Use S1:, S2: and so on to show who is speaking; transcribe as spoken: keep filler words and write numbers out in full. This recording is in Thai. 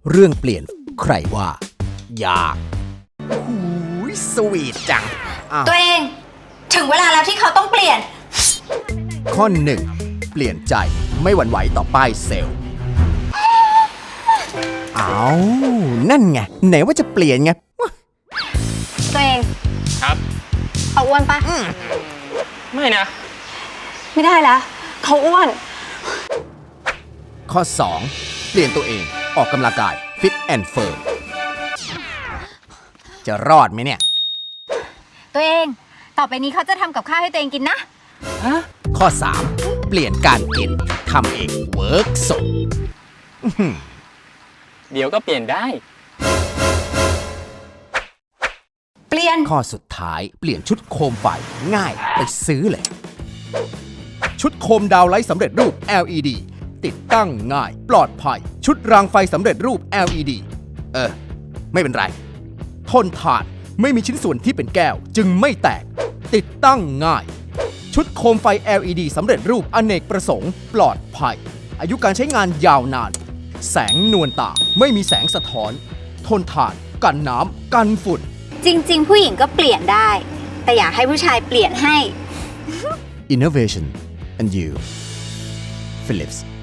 S1: เรื่องเปลี่ยนใครว่า ยากหูยสวีทจังอ้าว
S2: ตัวเองถึงเวลาแล้วที่เขาต้องเปลี่ยน
S1: ข้อหนึ่งเปลี่ยนใจไม่หวั่นไหวต่อป้ายเซลล์เอานั่นไงไหนว่าจะเปลี่ยนไง
S2: ตัวเอง
S3: ครับ
S2: เขาอ้วนปะ
S3: ไม่นะ
S2: ไม่ได้แล้วเขาอ้วน
S1: ข้อสองเปลี่ยนตัวเองออกกำลังกายฟิตแอนด์เฟิร์มจะรอดไหมเนี่ย
S2: ตัวเองต่อไปนี้เขาจะทำกับข้าวให้ตัวเองกินนะ
S1: ข้อสามเปลี่ยนการกินทำเองเวิร์กสด
S3: เดี๋ยวก็เปลี่ยนได้
S2: เปลี่ยน
S1: ข้อสุดท้ายเปลี่ยนชุดโคมไฟง่ายไปซื้อเลย ชุดโคมดาวไลท์สำเร็จรูป แอล อี ดี ติดตั้งง่ายปลอดภัย ชุดรางไฟสำเร็จรูป แอล อี ดี เออ ไม่เป็นไร ทนทานไม่มีชิ้นส่วนที่เป็นแก้วจึงไม่แตก ติดตั้งง่าย ชุดโคมไฟ แอล อี ดี สำเร็จรูปอเนกประสงค์ปลอดภัย อายุการใช้งานยาวนาน แสงนวลตาไม่มีแสงสะท้อน ทนทานกันน้ำกันฝุ่น
S2: จริง ๆ ผู้หญิงก็เปลี่ยนได้ แต่อยากให้ผู้ชายเปลี่ยนให้
S1: Innovation and you Philips